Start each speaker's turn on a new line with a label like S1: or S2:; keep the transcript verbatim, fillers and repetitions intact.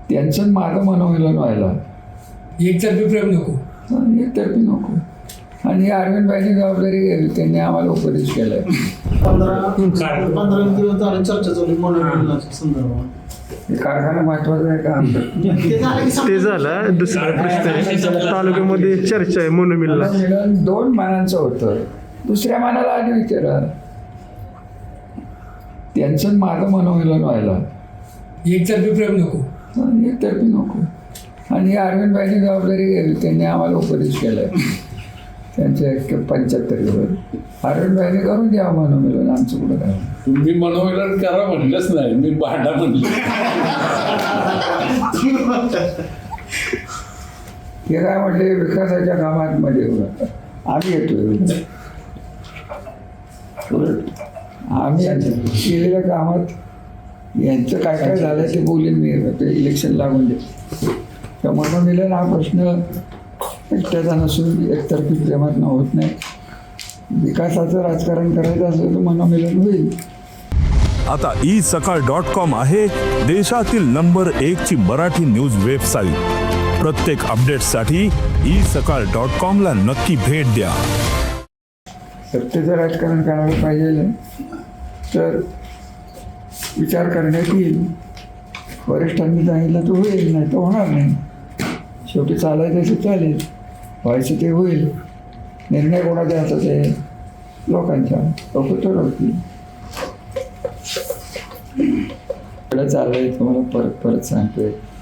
S1: त्यांचं माझं मनोमिलन व्हायला
S2: एकतर्फी प्रेम नको.
S1: एकतर्फी नको. आणि अरविंदबाईंनी जबाबदारी घ्यावी, त्यांनी आम्हाला उपदेश केलाय.
S3: पंधरा पंधरा दिवस झाले चर्चा चालू मनोमिलनाच्या संदर्भात.
S1: कारखाना महत्वाचा आहे का?
S3: ते झालं की
S4: ते झालं. दुसरा प्रश्न आहे, तालुक्यामध्ये चर्चा आहे मनोमिलन.
S1: मनोमिलन दोन मानांचं होतं, दुसऱ्या मानाला आधी विचारा. त्यांचं माझं मनोमिलन व्हायला
S2: एकतर्फी प्रेम नको.
S1: एकतर्फी नको. आणि अरविंदबाईंनी जबाबदारी घ्यावी, त्यांनी आम्हाला उपदेश केलाय. त्यांच्या एक पंच्याहत्तरीवर अरविंदबाईंनी करून द्या मनोमिलन, आमचं कुठं काय.
S5: तुम्ही मनोमिलन करा म्हणलंच नाही, मी भांडा म्हणलं.
S1: हे काय म्हटले, विकासाच्या कामात मध्ये उलट आम्ही येतोय. उलट आम्ही केलेल्या कामात यांचं काय काय झालं ते बोलेन मी. ते इलेक्शन लागून दे. तर मनोमिलन हा प्रश्न एकट्याचा नसून एकतर्फी प्रेमात होत नाही. विकासाचं राजकारण करायचं असलं तर मनोमिलन होईल.
S6: आता ई सकाळ डॉट कॉम आहे देशातील नंबर एक ची मराठी न्यूज वेबसाईट. प्रत्येक अपडेटसाठी ई सकाळ डॉट कॉम ला नक्की भेट द्या.
S1: सत्तेचं राजकारण करायला पाहिजे तर विचार करण्यात येईल. वरिष्ठांनी सांगितलं तर होईल, नाही तर होणार नाही. शेवटी चालायचं ते चालेल, व्हायचं ते होईल. निर्णय कोणाचा हातात आहे? लोकांच्या. लोक ठरवतील. चाललंय तुम्हाला परत परत सांगतोय.